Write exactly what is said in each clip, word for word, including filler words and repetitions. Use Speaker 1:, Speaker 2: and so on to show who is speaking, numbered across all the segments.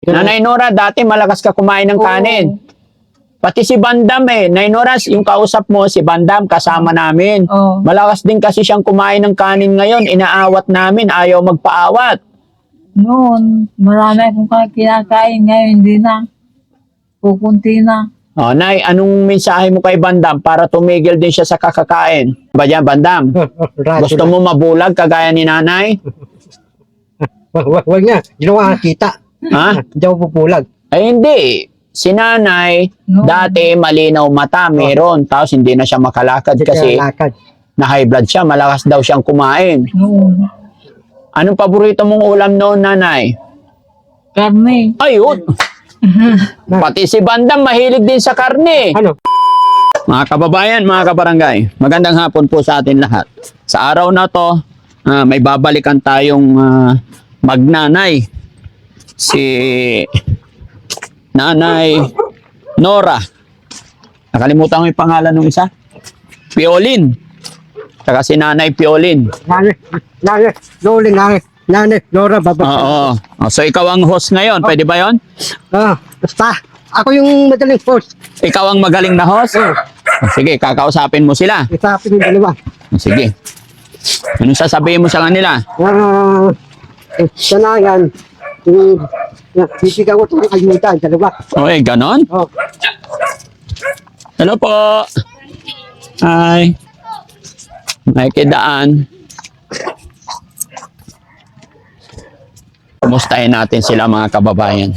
Speaker 1: Nanay Nora, dati malakas ka kumain ng
Speaker 2: Oo.
Speaker 1: kanin. Pati si Bandam eh. Nay Nora, yung kausap mo, si Bandam, kasama namin.
Speaker 2: Oo.
Speaker 1: Malakas din kasi siyang kumain ng kanin ngayon. Inaawat namin, ayaw magpaawat.
Speaker 2: Noon, marami akong kinakain. Ngayon, hindi na. Kukunti na.
Speaker 1: O, Nay, anong mensahe mo kay Bandam para tumigil din siya sa kakakain? Ba yan, Bandam? Gusto mo mabulag kagaya ni Nanay?
Speaker 3: Wag wag nga, ginawa ka kita.
Speaker 1: Ha?
Speaker 3: Hindi ako pupulag.
Speaker 1: Ay hindi. Si Nanay,
Speaker 2: No.
Speaker 1: dati malinaw mata, meron. Tapos hindi na siya makalakad
Speaker 3: Hindi
Speaker 1: kasi
Speaker 3: kaya lakad.
Speaker 1: na high blood siya. Malakas daw siyang kumain.
Speaker 2: Noon.
Speaker 1: Anong paborito mong ulam noon, Nanay?
Speaker 2: Karne.
Speaker 1: Ayun. Pati si Bandam mahilig din sa karne.
Speaker 3: Ano?
Speaker 1: Mga kababayan, mga kabarangay, magandang hapon po sa atin lahat. Sa araw na to, ah, may babalikan tayong ah, magnanay. Si Nanay Nora. Nakalimutan ko yung pangalan ng isa. Piolin. Saka si Nanay Piolin.
Speaker 3: Nanay, nanay, Loling, nanay, nanay, Nora, baba.
Speaker 1: Oo. Oh, so ikaw ang host ngayon, pwede ba yon?
Speaker 3: Ah, basta, ako yung madaling force.
Speaker 1: Ikaw ang magaling na host?
Speaker 3: Oh,
Speaker 1: Oh, sige, kakausapin mo sila.
Speaker 3: isapin yung dalawa.
Speaker 1: Oh, sige. Anong sasabihin mo sa kanila?
Speaker 3: Ah, eh, sanayan, yung, yung, bibigyan ko itong ayuda, ang dalawa.
Speaker 1: Okay, ganon?
Speaker 3: Oh,
Speaker 1: Hello po. Hi. May kidaan. Kumustahin natin sila mga kababayan.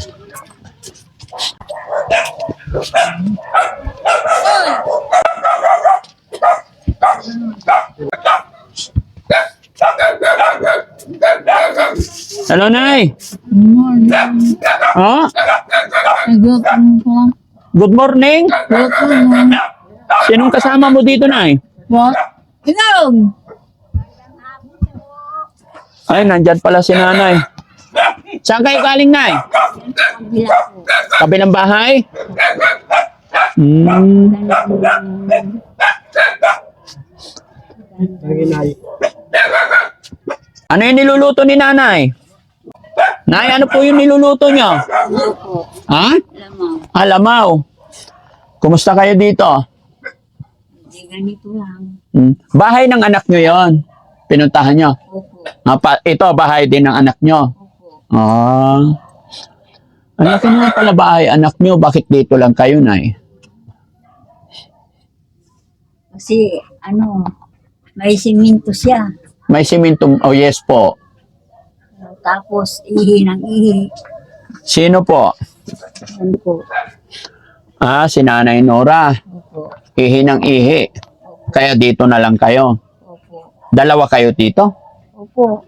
Speaker 1: Hello, Nay.
Speaker 2: Noon.
Speaker 1: Oh,
Speaker 2: Nagluto ko lang.
Speaker 1: good morning.
Speaker 2: Luto noon.
Speaker 1: Sinong kasama mo dito, Nay?
Speaker 2: What? Inog!
Speaker 1: Ay, nandyan pala si Nanay. Saan kayo galing, Nay? Kabilang bahay? Hmm.
Speaker 3: ang inay.
Speaker 1: Ano yung niluluto ni Nanay? Nay, ano po yung niluluto nyo? Ha?
Speaker 4: Lamaw.
Speaker 1: Alamaw. Kumusta kayo dito?
Speaker 4: Hindi ganito lang.
Speaker 1: Hmm. Bahay ng anak nyo yon. Pinuntahan nyo.
Speaker 4: Opo.
Speaker 1: Ah, pa- ito, bahay din ng anak nyo.
Speaker 4: Opo.
Speaker 1: Ah. Ano ka nga pala bahay anak nyo? Bakit dito lang kayo, Nay?
Speaker 4: Kasi, ano, may siminto siya.
Speaker 1: May simento. Oh, yes po.
Speaker 4: Tapos, ihi ng ihi.
Speaker 1: Sino po?
Speaker 4: Yan po.
Speaker 1: Ah, si Nanay Nora.
Speaker 4: Opo.
Speaker 1: Ihi ng ihi. Kaya dito na lang kayo.
Speaker 4: Opo.
Speaker 1: Dalawa kayo dito?
Speaker 4: Opo.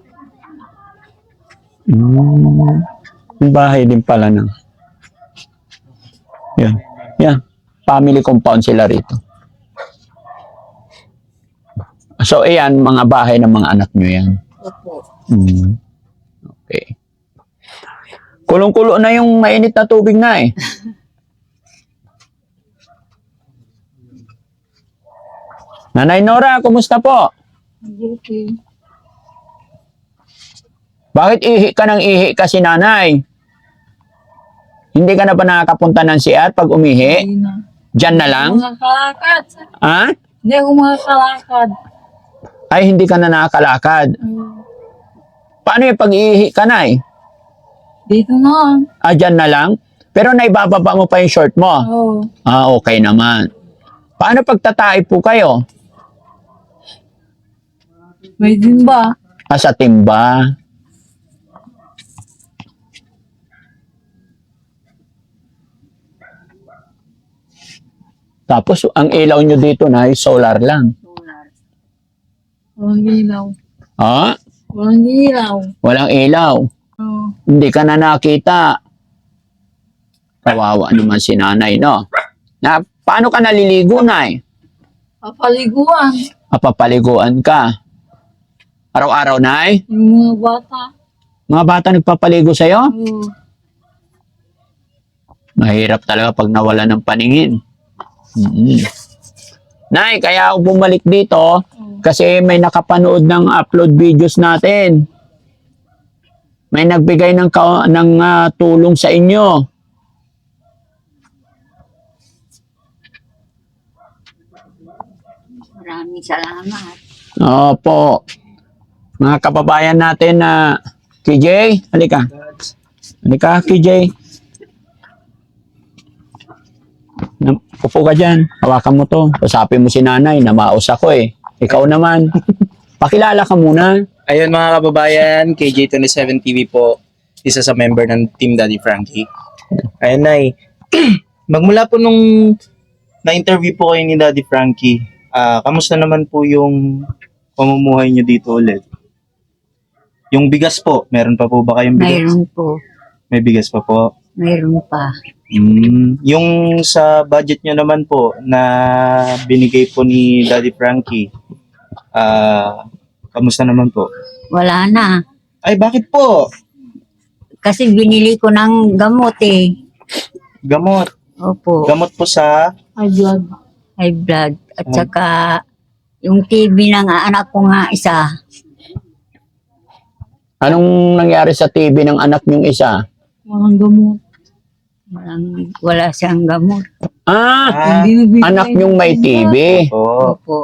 Speaker 1: Hmm. Yung bahay din pala ng... Yan. Yan. Family compound sila rito. So, ayan, mga bahay ng mga anak nyo yan.
Speaker 4: Opo.
Speaker 1: Hmm. Okay. Kulong-kulo na yung mainit na tubig na eh. Nanay Nora, kumusta po?
Speaker 4: Okay.
Speaker 1: Bakit ihi ka ng ihi kasi, Nanay? Hindi ka na ba nakakapunta ng C R pag umihi?
Speaker 2: Hindi na.
Speaker 1: Diyan na lang?
Speaker 2: Mga kalakad.
Speaker 1: Ha?
Speaker 2: Hindi ako mga kalakad.
Speaker 1: Ay, hindi ka na nakakalakad.
Speaker 2: Hmm.
Speaker 1: Paano yung pag-ihi ka, Nay?
Speaker 2: Dito na.
Speaker 1: Ah, dyan na lang? Pero naibababa mo pa yung short mo?
Speaker 2: Oo.
Speaker 1: Ah, okay naman. Paano pagtatae po kayo?
Speaker 2: May timba.
Speaker 1: Ah, sa timba. Tapos, ang ilaw nyo dito na solar lang.
Speaker 4: Solar.
Speaker 2: Walang ilaw.
Speaker 1: Ah,
Speaker 2: Walang ilaw.
Speaker 1: walang ilaw.
Speaker 2: Oo.
Speaker 1: Hindi ka na nakita. Kawawa naman si Nanay, no? Na, paano ka naliligo, Nay?
Speaker 2: Papaliguan.
Speaker 1: Mapapaliguan ka. Araw-araw, Nay?
Speaker 2: Yung mga bata.
Speaker 1: Mga bata nagpapaligo sa'yo?
Speaker 2: Oo.
Speaker 1: Mahirap talaga pag nawala ng paningin. Mm-mm. Nay, kaya ako bumalik dito kasi may nakapanood ng upload videos natin. May nagbigay ng, ka- ng ah, tulong sa inyo.
Speaker 4: Maraming salamat.
Speaker 1: Opo. Mga kababayan natin na K J, halika. Halika, K J. Na- Upo ka dyan. Hawakan mo to. Usapin mo si nanay. Namaos ako eh. Ikaw naman. Pakilala ka muna.
Speaker 5: Ayun mga kababayan, K J twenty-seven T V po, isa sa member ng Team Daddy Frankie. Ayun Nay, magmula po nung na-interview po kayo ni Daddy Frankie, ah kamusta naman po yung pamumuhay nyo dito ulit? Yung bigas po, meron pa po ba kayong bigas?
Speaker 4: Mayroon po.
Speaker 5: May bigas pa po.
Speaker 4: Mayroon pa.
Speaker 5: Mm, yung sa budget nyo naman po na binigay po ni Daddy Frankie, ah kamusta naman po?
Speaker 4: Wala na.
Speaker 5: Ay, bakit po?
Speaker 4: Kasi binili ko ng gamot eh.
Speaker 5: Gamot.
Speaker 4: Opo.
Speaker 5: Gamot po sa...
Speaker 2: Ay, blood.
Speaker 4: High blood. At
Speaker 5: Ay.
Speaker 4: saka yung T B ng anak ko nga isa.
Speaker 1: Anong nangyari sa T V ng anak niyong isa?
Speaker 2: Walang gamot.
Speaker 4: Walang, wala siyang gamot.
Speaker 1: Ah,
Speaker 5: Ah,
Speaker 2: Hindi nagbibigay
Speaker 1: anak
Speaker 2: ng
Speaker 1: niyong may T V.
Speaker 5: po.
Speaker 4: Opo.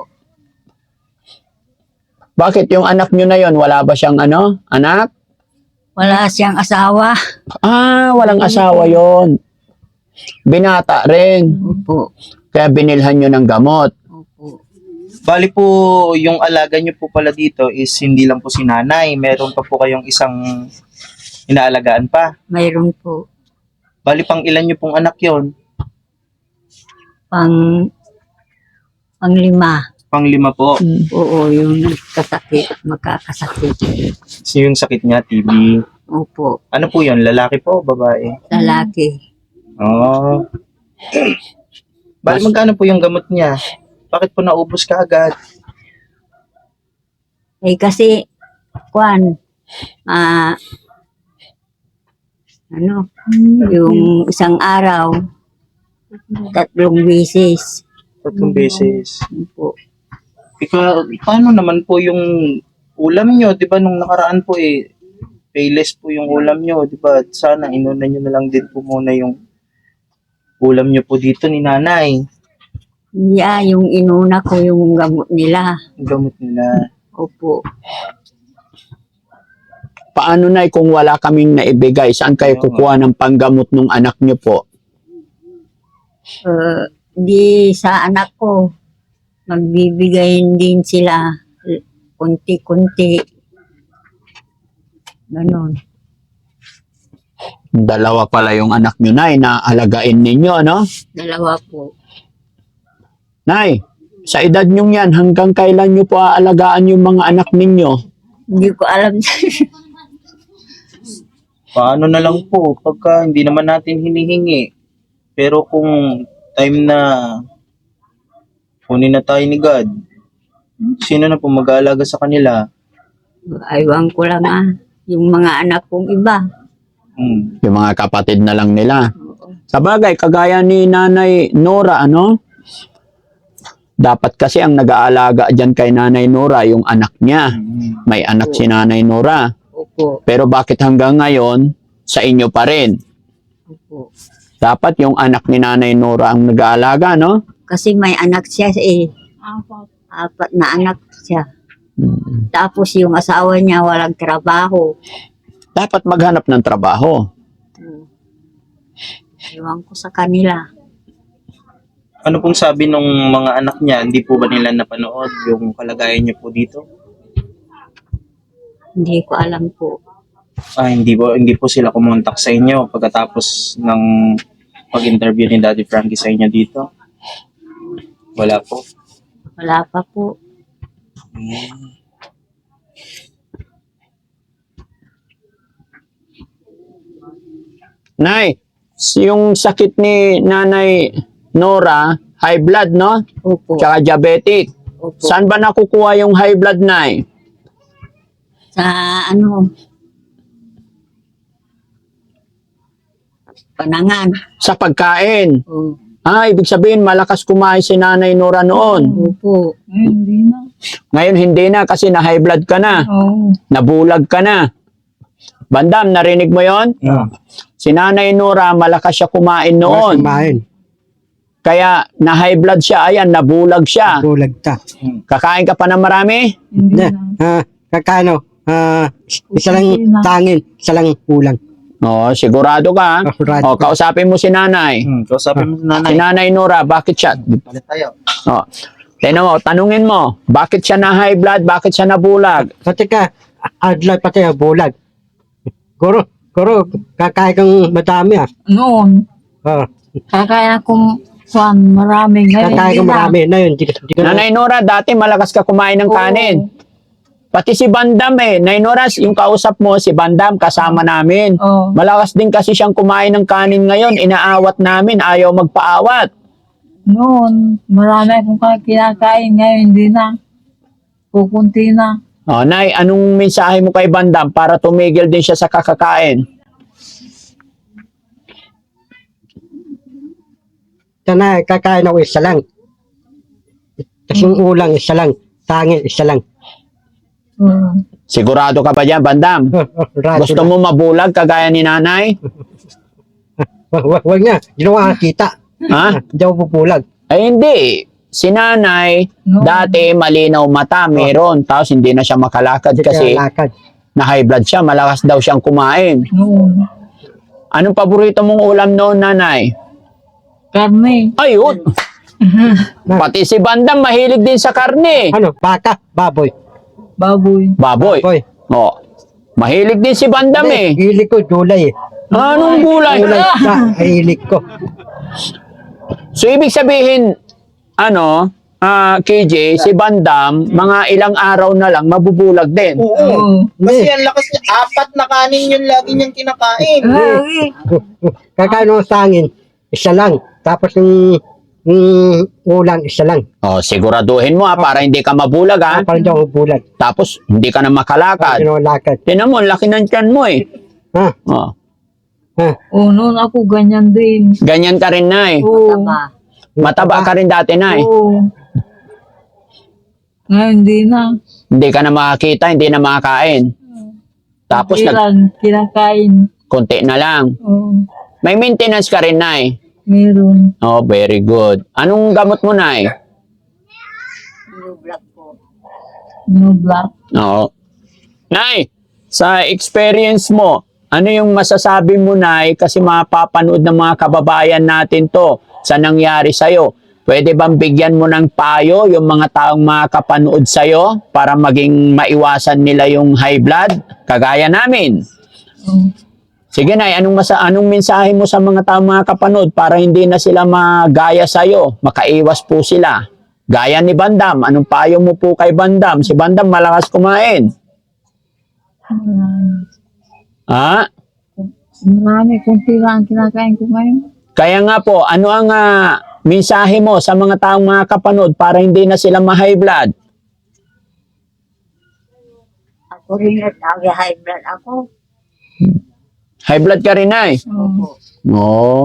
Speaker 1: Bakit yung anak niyo na yon wala ba siyang ano? Anak?
Speaker 4: Wala siyang asawa.
Speaker 1: Ah, walang asawa yon. Binata rin.
Speaker 4: Opo.
Speaker 1: Kaya binilhan nyo ng gamot.
Speaker 4: Opo.
Speaker 5: Bali po, yung alaga nyo po pala dito is hindi lang po si nanay. Meron pa po kayong isang inaalagaan pa.
Speaker 4: Mayroon po.
Speaker 5: Bali pang ilan nyo pong anak yon?
Speaker 4: Pang panglima.
Speaker 5: Pang lima po.
Speaker 4: Oo, yung nagkasakit, magkakasakit.
Speaker 5: So, yung sakit niya, T B.
Speaker 4: Opo.
Speaker 5: Ano po yon? Lalaki po o babae?
Speaker 4: Lalaki.
Speaker 5: Oo. Bali magkano po yung gamot niya? Bakit po naubos ka agad?
Speaker 4: Eh kasi, kwan, ah, ano, yung isang araw, tatlong beses.
Speaker 5: Tatlong beses.
Speaker 4: Po.
Speaker 5: Ika, paano naman po yung ulam nyo? Di ba nung nakaraan po eh, payless po yung ulam nyo. Di ba? Sana inuna nyo na lang din po muna yung ulam nyo po dito ni nanay.
Speaker 4: Yeah, yung inuna ko yung gamot nila.
Speaker 5: Yung gamot nila.
Speaker 4: Opo.
Speaker 1: Paano na kung wala kaming naibigay? Saan kayo
Speaker 5: Oo.
Speaker 1: kukuha ng panggamot ng anak nyo po?
Speaker 4: Uh, di sa anak ko, magbibigay din sila kunti-kunti. Ganon.
Speaker 1: Dalawa pala yung anak nyo, Nay, na alagain ninyo, ano?
Speaker 4: Dalawa po.
Speaker 1: Nay, sa edad nyo yan, hanggang kailan nyo po aalagaan yung mga anak ninyo?
Speaker 4: Hindi ko alam.
Speaker 5: Paano na lang po pagka hindi naman natin hinihingi. Pero kung time na kunin na tayo ni God, sino na po mag-aalaga sa kanila?
Speaker 4: Aywan ko lang ah. Yung mga anak kong iba.
Speaker 5: Hmm.
Speaker 1: Yung mga kapatid na lang nila. Sa bagay, kagaya ni Nanay Nora, ano? Dapat kasi ang nag-aalaga dyan kay Nanay Nora, yung anak niya.
Speaker 5: Hmm.
Speaker 1: May anak si Nanay Nora.
Speaker 4: Opo.
Speaker 1: Pero bakit hanggang ngayon, sa inyo pa rin?
Speaker 4: Opo.
Speaker 1: Dapat yung anak ni Nanay Nora ang nag-aalaga, no?
Speaker 4: Kasi may anak siya eh.
Speaker 2: Apat.
Speaker 4: Apat na anak siya.
Speaker 1: Mm.
Speaker 4: Tapos yung asawa niya walang trabaho.
Speaker 1: Dapat maghanap ng trabaho.
Speaker 4: Hmm. Ewan ko sa kanila.
Speaker 5: Ano pong sabi nung mga anak niya? Hindi po ba nila napanood yung kalagayan niyo po dito?
Speaker 4: Hindi ko alam po.
Speaker 5: Ah, hindi po, hindi po sila kumontak sa inyo pagkatapos ng pag-interview ni Daddy Frankie sa inyo dito? Wala po.
Speaker 4: Wala pa po.
Speaker 1: Nay, yung sakit ni Nanay Nora, high blood, no?
Speaker 4: Opo.
Speaker 1: Tsaka diabetic.
Speaker 4: Opo.
Speaker 1: Saan ba nakukuha yung high blood, Nay?
Speaker 4: Sa ano? Panangan.
Speaker 1: Sa pagkain.
Speaker 4: Oh.
Speaker 1: Ah, ibig sabihin, malakas kumain si Nanay Nora noon.
Speaker 4: Opo.
Speaker 2: Ngayon, hindi na.
Speaker 1: Ngayon, hindi na kasi na high blood ka na.
Speaker 2: Oo.
Speaker 1: Nabulag ka na. Bandam, narinig mo yon?
Speaker 3: Ah.
Speaker 1: Si Nanay Nora, malakas siya kumain
Speaker 3: Oo,
Speaker 1: noon.
Speaker 3: kumain.
Speaker 1: Kaya na high blood siya, ayan, nabulag siya.
Speaker 3: Bulag ta.
Speaker 1: Kakain ka pa ng marami?
Speaker 2: Hindi
Speaker 3: Ne,
Speaker 2: na.
Speaker 3: ah, kakano, ah, isa lang
Speaker 2: Hindi na.
Speaker 3: tangin, isa lang kulang.
Speaker 1: Oo, sigurado ka.
Speaker 3: Ah, sigurado
Speaker 1: O,
Speaker 3: ka.
Speaker 1: kausapin mo si Nanay.
Speaker 5: Hmm, kausapin mo si
Speaker 1: Si
Speaker 5: nanay.
Speaker 1: Nanay Nora, bakit siya?
Speaker 5: Palit tayo.
Speaker 1: O, tignan mo, tanungin mo, bakit siya na high blood, bakit siya nabulag?
Speaker 3: Pati ka, adlay pati ang bulag. Guro, guro, kakain kang madami ah.
Speaker 2: Noon,
Speaker 3: Ah,
Speaker 2: kakain akong kwan, marami. Ngayon,
Speaker 3: kakain
Speaker 2: hindi
Speaker 3: kang
Speaker 2: na.
Speaker 3: marami. Na yun, di, di, di,
Speaker 1: Nanay Nora, dati malakas ka kumain ng
Speaker 2: Oo.
Speaker 1: kanin. Pati si Bandam eh. Nay Nora, yung kausap mo, si Bandam, kasama namin.
Speaker 2: Oo.
Speaker 1: Malakas din kasi siyang kumain ng kanin ngayon. Inaawat namin, ayaw magpaawat.
Speaker 2: Noon, marami akong kinakain. Ngayon, hindi na. Kukunti na.
Speaker 1: O, Nay, anong mensahe mo kay Bandam para tumigil din siya sa kakakain?
Speaker 3: sana kakain ako isa lang. Tapos yung ulang, isa lang. Tangin, isa lang.
Speaker 2: Oo.
Speaker 1: Sigurado ka ba dyan, Bandam?
Speaker 3: Oh, oh, rado
Speaker 1: Gusto
Speaker 3: na.
Speaker 1: mo mabulag kagaya ni Nanay?
Speaker 3: Wag, wag, wag na, hindi na ako nakakita.
Speaker 1: Ha?
Speaker 3: Hindi ako pupulag.
Speaker 1: Ay hindi. Si Nanay,
Speaker 2: No.
Speaker 1: dati malinaw mata, meron. Tapos hindi na siya makalakad
Speaker 3: Hindi
Speaker 1: kasi
Speaker 3: kaya lakad.
Speaker 1: na high blood siya. Malakas daw siyang kumain.
Speaker 2: Noon.
Speaker 1: Anong paborito mong ulam noon, Nanay?
Speaker 2: Karne.
Speaker 1: Ayun. Pati si Bandam mahilig din sa karne.
Speaker 3: Ano, baka, baboy.
Speaker 2: Baboy.
Speaker 1: Baboy.
Speaker 3: Baboy.
Speaker 1: Oh. Mahilig din si Bandam eh.
Speaker 3: Hilig ko, gulay eh.
Speaker 1: Anong gulay?
Speaker 3: Gulay sa hilig ko.
Speaker 1: So ibig sabihin, ano, ah, K J, si Bandam, mga ilang araw na lang mabubulag din.
Speaker 5: Oo.
Speaker 2: Oo.
Speaker 5: Kasi ang lakas niya. Apat na kanin yun lagi niyang kinakain.
Speaker 2: Ay,
Speaker 3: Kakain ako sa hangin, isa lang. Tapos yung, yung ulang, isa lang.
Speaker 1: Oh, siguraduhin mo ha, para hindi ka mabulag ha.
Speaker 3: Ah, parang di ako bulag.
Speaker 1: Tapos hindi ka na
Speaker 3: Parang
Speaker 1: makalakad.
Speaker 3: di ako lakad.
Speaker 1: Tinan mo, laki ng tiyan mo eh.
Speaker 3: Ha?
Speaker 1: Oh.
Speaker 3: Ha?
Speaker 2: oo, noon ako ganyan din.
Speaker 1: Ganyan ka rin, Nay.
Speaker 2: Oo.
Speaker 4: Taba.
Speaker 1: Mataba ka rin dati, Nay.
Speaker 2: Oo. Ngayon, hindi na.
Speaker 1: Hindi ka na makakita, hindi na makakain. Tapos
Speaker 2: Hindi
Speaker 1: nag
Speaker 2: lang kinakain.
Speaker 1: konti na lang.
Speaker 2: Oo.
Speaker 1: May maintenance ka rin, Nay.
Speaker 2: Meron.
Speaker 1: Oh, very good. Anong gamot mo, Nay?
Speaker 4: New black po.
Speaker 2: No black.
Speaker 1: Oo. Nay, sa experience mo, ano yung masasabi mo, Nay, kasi mapapanood ng mga kababayan natin to sa nangyari sa'yo. Pwede bang bigyan mo ng payo yung mga taong makapanood sa'yo para maging maiwasan nila yung high blood? Kagaya namin.
Speaker 2: Oo.
Speaker 1: Sige, Nay, anong, masa anong mensahe mo sa mga taong makapanood para hindi na sila magaya sa'yo? Makaiwas po sila. Gaya ni Bandam, anong payo mo po kay Bandam? Si Bandam malakas kumain.
Speaker 2: Marami.
Speaker 1: Ha?
Speaker 2: Marami. Kunti lang ang kinakain ko ngayon.
Speaker 1: Kaya nga po, ano ang ah, mensahe mo sa mga taong makapanood para hindi na sila ma-high blood?
Speaker 4: Ako rin at high blood ako.
Speaker 1: High blood ka rin, Nay.
Speaker 2: Oo.
Speaker 1: Oo.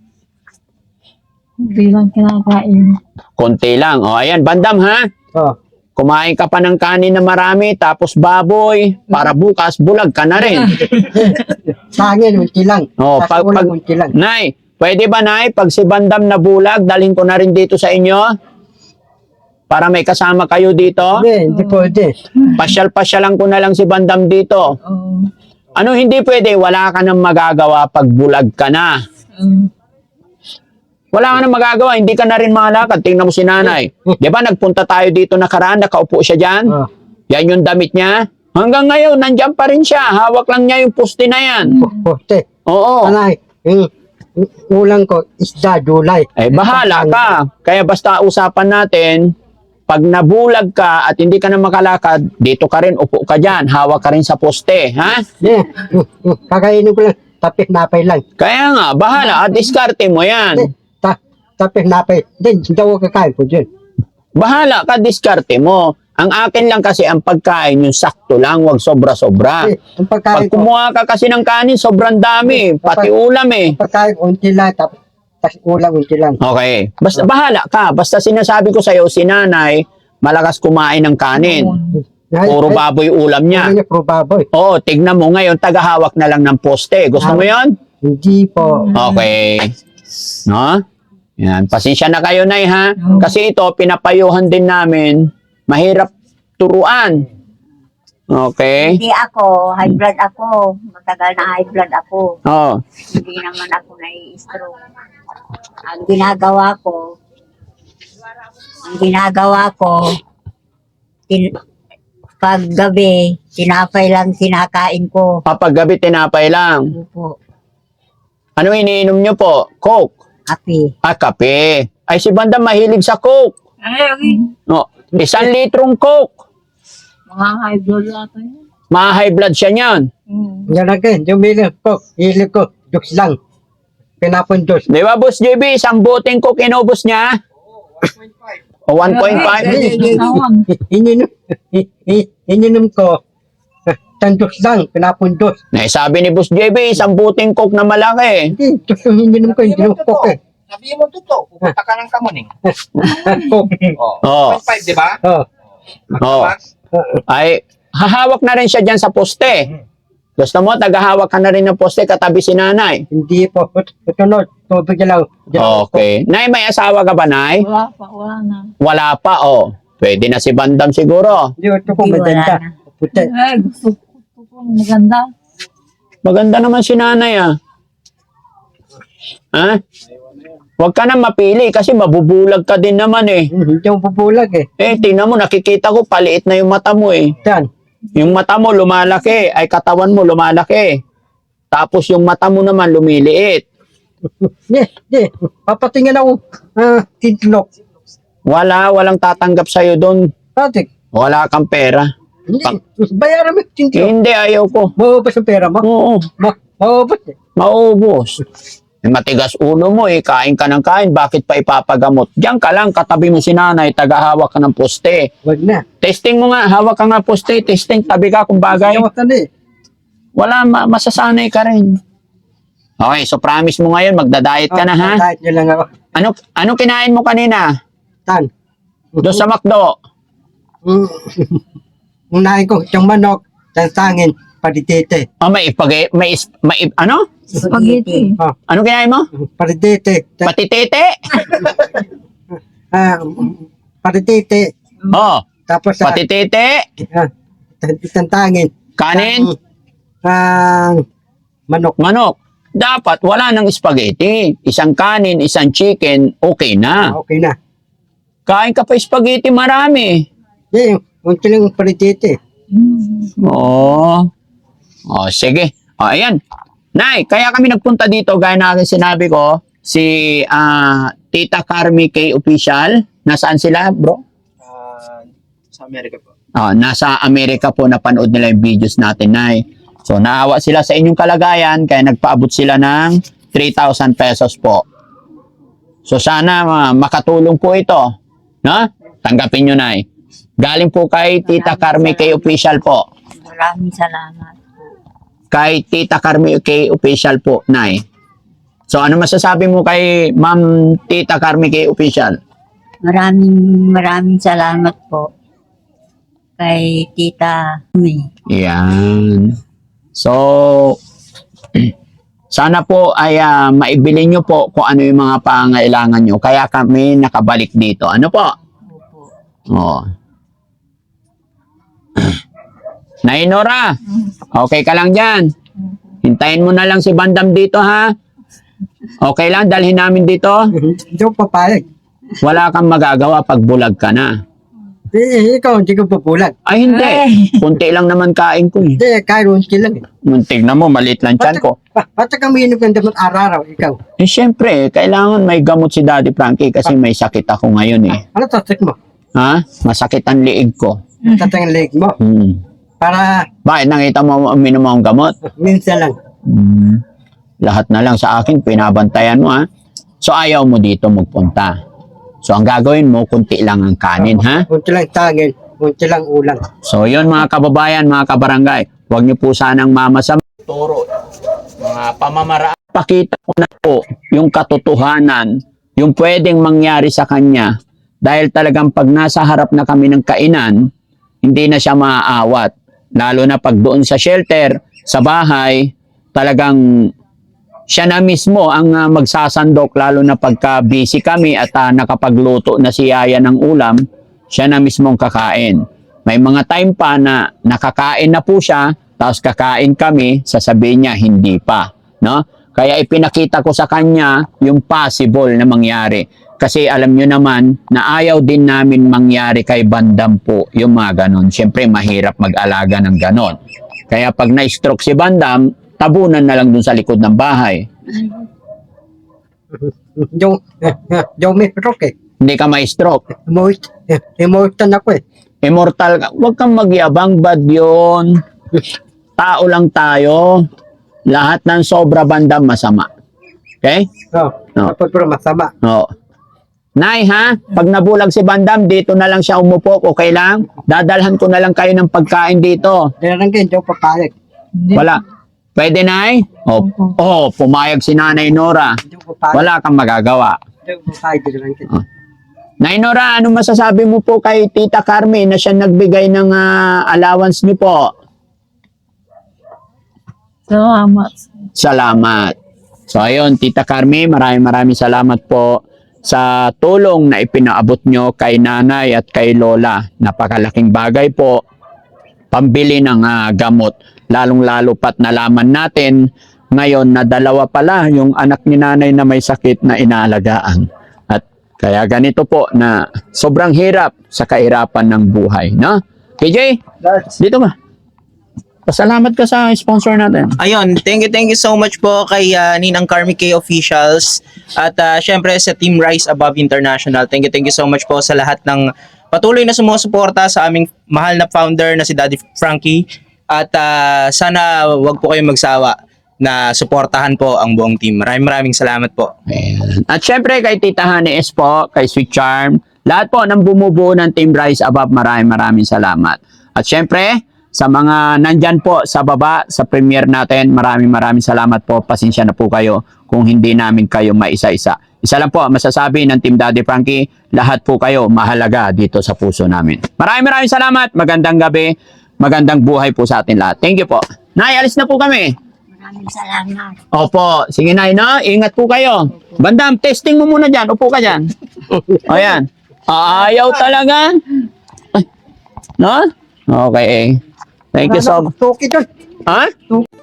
Speaker 2: Kunti lang kinakain.
Speaker 1: Konti lang. O, ayan, Bandam, ha?
Speaker 3: Oh,
Speaker 1: Kumain ka pa ng kanin na marami, tapos baboy, para bukas, bulag ka na rin.
Speaker 3: tangin, unti lang.
Speaker 1: Oh,
Speaker 3: Tapos
Speaker 1: pag-
Speaker 3: ulang,
Speaker 1: pag-
Speaker 3: unti lang.
Speaker 1: Nay, pwede ba, Nay, pag si Bandam na bulag, dalhin ko na rin dito sa inyo? Para may kasama kayo dito?
Speaker 3: Hindi, hindi pwede.
Speaker 1: Pasyal-pasyalan ko na lang si Bandam dito.
Speaker 2: Oo.
Speaker 1: Ano hindi pwede? Wala ka nang magagawa pag bulag ka na.
Speaker 2: Oo.
Speaker 1: Wala ka nang magagawa, hindi ka na rin makalakad. Tingnan mo si Nanay. Di ba nagpunta tayo dito nakaraan, nakaupo siya dyan?
Speaker 3: Oh,
Speaker 1: Yan yung damit niya. Hanggang ngayon, nandyan pa rin siya. Hawak lang niya yung puste na yan.
Speaker 3: poste.
Speaker 1: Oo.
Speaker 3: Anay, yung yung ulang ko, isda, gulay.
Speaker 1: Eh, bahala ka. Kaya basta usapan natin, pag nabulag ka at hindi ka na makalakad, dito ka rin, upo ka dyan. Hawak ka rin sa poste. Ha?
Speaker 3: Yeah. Kakainin ko lang, tapis napay lang.
Speaker 1: Kaya nga, bahala. At diskarte mo yan.
Speaker 3: Eh, ta tapis napay. Hindi, hindi ako kakain ko dyan.
Speaker 1: Bahala ka, diskarte mo. Ang akin lang kasi ang pagkain, yung sakto lang, wag sobra-sobra.
Speaker 3: Eh, ang
Speaker 1: Pag
Speaker 3: pagkain ko,
Speaker 1: kumuha ka kasi ng kanin, sobrang dami. Pati ulam eh.
Speaker 3: ang pagkain ko, unti lang, tapos, tapos ulang, unti lang.
Speaker 1: Okay. Basta bahala ka. Basta sinasabi ko sa'yo, si Nanay, malakas kumain ng kanin.
Speaker 2: Oo.
Speaker 3: Ay,
Speaker 1: Puro
Speaker 3: ay,
Speaker 1: baboy ulam niya.
Speaker 3: Ano niya, puro baboy.
Speaker 1: Oo, tignan mo ngayon, tagahawak na lang ng poste. Gusto mo yon?
Speaker 3: Hindi po.
Speaker 1: Okay. No? Yan. Pasensya na kayo, Nay, ha?
Speaker 2: Oo.
Speaker 1: Kasi ito, pinapayuhan din namin. Mahirap turuan. Okay?
Speaker 4: Hindi ako, high blood ako. Matagal na high blood ako.
Speaker 1: Oh.
Speaker 4: Hindi naman ako nai-stroke. Ang ginagawa ko, ang ginagawa ko, tin, pag gabi, tinapay lang kinakain ko.
Speaker 1: Kapag gabi, tinapay lang.
Speaker 4: Opo,
Speaker 1: Ano iniinom nyo po? Coke?
Speaker 4: kape.
Speaker 1: Ah, kape. Ay, si Banda mahilig sa Coke.
Speaker 2: Ay, okay.
Speaker 1: No, isang litrong Coke.
Speaker 2: Mga high blood ata yun.
Speaker 1: Ma-high blood siya niyan.
Speaker 2: Hmm.
Speaker 3: Yan again, yung milig ko, hilig ko, juice lang. Pinapundos.
Speaker 1: Di ba, Boss J B? Isang boteng Coke inubos niya? O one point five?
Speaker 2: Ay, ay, tawag.
Speaker 3: Ininom, ininom ko, isang juice lang, pinapundos.
Speaker 1: Eh, sabi ni Boss J B, isang boteng Coke na malaki.
Speaker 3: Hindi, juice yung ininom ko, hindi yung coke eh.
Speaker 6: Sabihin mo totoo, pupunta ka ng Kamuning.
Speaker 3: Coke.
Speaker 6: Oh,
Speaker 1: Oh.
Speaker 6: one point five, di ba?
Speaker 3: Oh,
Speaker 1: Oh. Ay, hahawak na rin siya dyan sa poste. Gusto mo, tagahawak ka na rin ng poste katabi si nanay.
Speaker 3: hindi po. Ito no, tubig na lang.
Speaker 1: Okay. Nay, may asawa ka ba, Nay?
Speaker 2: Wala pa, wala na.
Speaker 1: Wala pa, oh. Pwede na si Bandam siguro.
Speaker 3: Hindi, ito ko
Speaker 4: Hindi, wala
Speaker 3: maganda.
Speaker 4: na.
Speaker 3: Puti.
Speaker 2: Ay, gusto ko. Gusto ko. Maganda.
Speaker 1: Maganda naman si nanay, ah. Ha? Huwag ka na mapili kasi mabubulag ka din naman eh.
Speaker 3: Hmm, Hindi ako pupulag eh.
Speaker 1: Eh, tingnan mo, nakikita ko, paliit na yung mata mo eh.
Speaker 3: Yan.
Speaker 1: Yung mata mo lumalaki, ay katawan mo lumalaki. Tapos yung mata mo naman lumiliit.
Speaker 3: Hindi, hindi. Papatingin ako. Ah, titlok.
Speaker 1: Wala, walang tatanggap sa'yo doon.
Speaker 3: Patik.
Speaker 1: Wala kang pera.
Speaker 3: Hindi.
Speaker 1: Pag-
Speaker 3: Bayaran mo yung titlok.
Speaker 1: Hindi, ayaw ko.
Speaker 3: Maubos ang pera mo.
Speaker 1: Oo,
Speaker 3: Ma maubos eh.
Speaker 1: maubos. Eh, matigas ulo mo eh, kain ka ng kain, bakit pa ipapagamot? Diyan ka lang, katabi mo si nanay, tagahawak ka ng poste.
Speaker 3: Wag na.
Speaker 1: Testing mo nga, hawak ka nga poste, testing, tabi ka kung bagay.
Speaker 3: Ayaw ka na eh.
Speaker 1: Wala, ma- masasanay ka rin. Okay, so promise mo ngayon, magda-diet ka na ha?
Speaker 3: Ah, Kahit nyo lang ako.
Speaker 1: Ano, ano kinain mo kanina?
Speaker 3: Tan.
Speaker 1: Doon sa McDo?
Speaker 3: Mm. Unahin ko yung manok, tansangin, paritete.
Speaker 1: Oh, may ipag may, is- may ip- ano?
Speaker 2: Spaghetti.
Speaker 3: Oh,
Speaker 1: Ano kinain mo?
Speaker 3: paritete. Ta-
Speaker 1: Patitete?
Speaker 3: ah, paritete.
Speaker 1: Oh,
Speaker 3: Tapos sa
Speaker 1: patitete,
Speaker 3: ah, tantangin.
Speaker 1: kanin,
Speaker 3: Ang manok.
Speaker 1: manok. Dapat wala nang spaghetti. Isang kanin, isang chicken, okay na.
Speaker 3: Okay na.
Speaker 1: Kain ka pa spaghetti, marami.
Speaker 3: Eh, unti lang paritete.
Speaker 2: Hmm.
Speaker 1: Oo. Oh, sige. Oh, ayan. Nay, kaya kami nagpunta dito, gaya na aking sinabi ko, si ah, Tita Carmi K Official. Nasaan sila, bro?
Speaker 5: Ah, sa Amerika po.
Speaker 1: Ah, nasa Amerika po, napanood nila yung videos natin, Nay. So, naawa sila sa inyong kalagayan, kaya nagpaabot sila ng three thousand pesos po. So, sana ah, makatulong po ito. No? Tanggapin nyo, Nay. Galing po kay Tita Carmi K Official po.
Speaker 4: Maraming salamat.
Speaker 1: Kay Tita Carmi K Official po, Nay. So, ano masasabi mo kay Ma'am Tita Carmi K Official?
Speaker 4: Maraming maraming salamat po kay Tita May.
Speaker 1: Yan. So, sana po ay ah, maibili nyo po kung ano yung mga pangailangan nyo. Kaya kami nakabalik dito. Ano po?
Speaker 4: Opo.
Speaker 1: Oh. Nay Nora, okay ka lang dyan. Hintayin mo na lang si Bandam dito, ha? Okay lang, dalhin namin dito.
Speaker 3: Hindi ko papayag.
Speaker 1: Wala kang magagawa pag bulag ka na.
Speaker 3: Eh, ikaw, hindi ko pupulag.
Speaker 1: Ay, hindi. Kunti lang naman kain ko eh.
Speaker 3: Hindi, kahit unti lang eh.
Speaker 1: Tignan mo, maliit lang tiyan ko.
Speaker 3: Ba't ka minum ng damot araw-araw, ikaw?
Speaker 1: Eh, syempre, kailangan may gamot si Daddy Frankie kasi may sakit ako ngayon eh.
Speaker 3: Ano tatak mo?
Speaker 1: Ha? Masakit ang liig ko.
Speaker 3: Tatang leg mo.
Speaker 1: Hmm.
Speaker 3: Para
Speaker 1: Bakit nakita mo uminom akong gamot?
Speaker 3: minsan lang.
Speaker 1: Hmm. Lahat na lang sa akin, pinabantayan mo ha. So ayaw mo dito magpunta. So ang gagawin mo, kunti lang ang kanin ha.
Speaker 3: Unti lang tangin, unti lang ulang.
Speaker 1: So yun mga kababayan, mga kabarangay, huwag niyo po sanang mamasama. Turo, mga pamamaraan. Pakita ko na po yung katotohanan, yung pwedeng mangyari sa kanya. Dahil talagang pag nasa harap na kami ng kainan, hindi na siya maaawat. Lalo na pag doon sa shelter, sa bahay, talagang siya na mismo ang ah, magsasandok, lalo na pagka busy kami at ah, nakapagluto na si Yaya ng ulam, siya na mismo ang kakain. May mga time pa na nakakain na po siya, tapos kakain kami, sasabihin niya hindi pa, no? Kaya ipinakita ko sa kanya yung possible na mangyari. Kasi alam nyo naman na ayaw din namin mangyari kay Bandam po yung mga ganon. Siyempre mahirap mag-alaga ng ganon. Kaya pag na-stroke si Bandam, tabunan na lang dun sa likod ng bahay.
Speaker 3: Yung, yung may stroke eh.
Speaker 1: Hindi ka ma-stroke.
Speaker 3: Emoit, emoitan ako eh.
Speaker 1: Immortal ka. Huwag kang magyabang, bad yun. Tao lang tayo. Lahat ng sobra Bandam masama. Okay?
Speaker 3: Oh,
Speaker 1: No.
Speaker 3: Tapos pero masama.
Speaker 1: Oo. Nay ha, pag nabulag si Bandam, dito na lang siya umupo, okay lang? Dadalhan ko na lang kayo ng pagkain dito.
Speaker 3: Kaya lang kayo, hindi ako papayag.
Speaker 2: Hindi.
Speaker 1: Wala. Pwede, Nay? Oh, oh, pumayag si Nanay Nora.
Speaker 3: Hindi ako papayag.
Speaker 1: Wala kang magagawa.
Speaker 3: Hindi ako papayag. Kaya lang kayo.
Speaker 1: Nay Nora, ano masasabi mo po kay Tita Carmen na siya nagbigay ng ah, allowance niyo po?
Speaker 2: Salamat.
Speaker 1: Salamat. So ayun, Tita Carmen, maraming maraming salamat po sa tulong na ipinaabot nyo kay nanay at kay lola. Napakalaking bagay po, pambili ng ah, gamot. Lalong-lalo pat nalaman natin ngayon na dalawa pala yung anak ni nanay na may sakit na inaalagaan. At kaya ganito po na sobrang hirap sa kahirapan ng buhay. No? K J, dito ka. Pasalamat ka sa sponsor natin.
Speaker 5: Ayun, thank you, thank you so much po kay uh, Ninang Carmi K Officials at uh, syempre sa Team Rise Above International. Thank you, thank you so much po sa lahat ng patuloy na sumusuporta sa aming mahal na founder na si Daddy Frankie at uh, sana wag po kayong magsawa na suportahan po ang buong team. Maraming maraming salamat po.
Speaker 1: Ayan. At syempre kay Tita Honey S po, kay Sweet Charm, lahat po ng bumubuo ng Team Rise Above, maraming maraming salamat. At syempre, sa mga nandyan po sa baba, sa premiere natin, maraming maraming salamat po. Pasensya na po kayo kung hindi namin kayo maisa-isa. Isa lang po, masasabi ng Team Daddy Frankie, lahat po kayo mahalaga dito sa puso namin. Maraming maraming salamat. Magandang gabi. Magandang buhay po sa atin lahat. Thank you po. Nay, alis na po kami.
Speaker 4: Maraming salamat.
Speaker 1: Opo. Sige, Nay, no? Ingat po kayo. Bandam, testing mo muna dyan. Upo ka dyan. O yan. Ayaw talaga. Ay. No? Okay. Thank you so much.
Speaker 3: Tuki doon.
Speaker 1: Ha?